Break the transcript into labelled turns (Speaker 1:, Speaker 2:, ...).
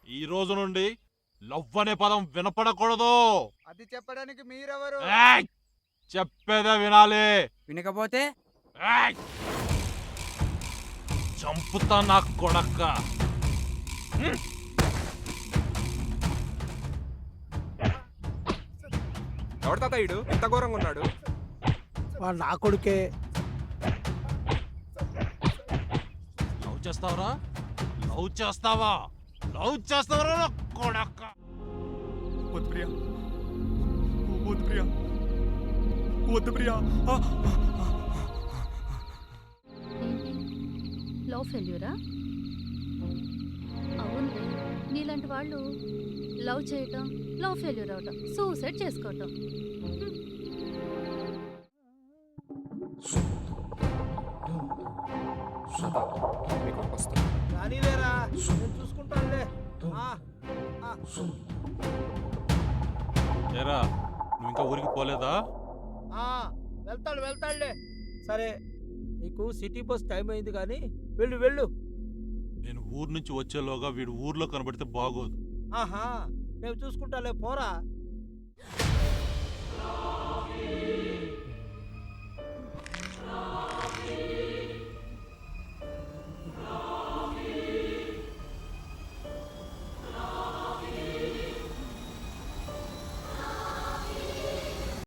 Speaker 1: ఈ రోజు నుండి లవ్ అనే పదం వినపడకూడదు.
Speaker 2: అది చెప్పడానికి మీరెవరు?
Speaker 1: ఏయ్! చెప్పేదే వినాలి.
Speaker 3: వినకపోతే
Speaker 1: ఏయ్! చంపుతా నా కొడక్క.
Speaker 4: ఎవరి తాత ఈడు ఎంత ఘోరంగా ఉన్నాడు?
Speaker 5: వాడు నా కొడుకే.
Speaker 1: లవ్ చేస్తావరా? లవ్ చేస్తావా? లవ్ చేస్తావరా నా కొడక్క?
Speaker 4: వద్దు ప్రియా, వద్దు ప్రియా, వద్దు ప్రియా.
Speaker 6: ఏంటి లవ్ ఫెయిల్యూరా? అవును, నీలాంటి వాళ్ళు లవ్ చేయటం, లవ్ ఫెయిల్యూర్ అవటం, సూసైడ్ చేసుకోవటం.
Speaker 4: మీకు వస్తుంది.
Speaker 5: కానీలేరా, నేను చూసుకుంటానులే.
Speaker 1: ఏరా, నువ్వు ఇంకా ఊరికి పోలేదా?
Speaker 5: వెళ్తాడులే. సరే, నీకు సిటీ బస్ టైం అయింది కానీ వెళ్ళు వెళ్ళు.
Speaker 1: నేను ఊరు నుంచి వచ్చేలోగా వీడు ఊర్లో కనబడితే బాగోదు.
Speaker 5: ఆహా, నేను చూసుకుంటాలే, పోరా.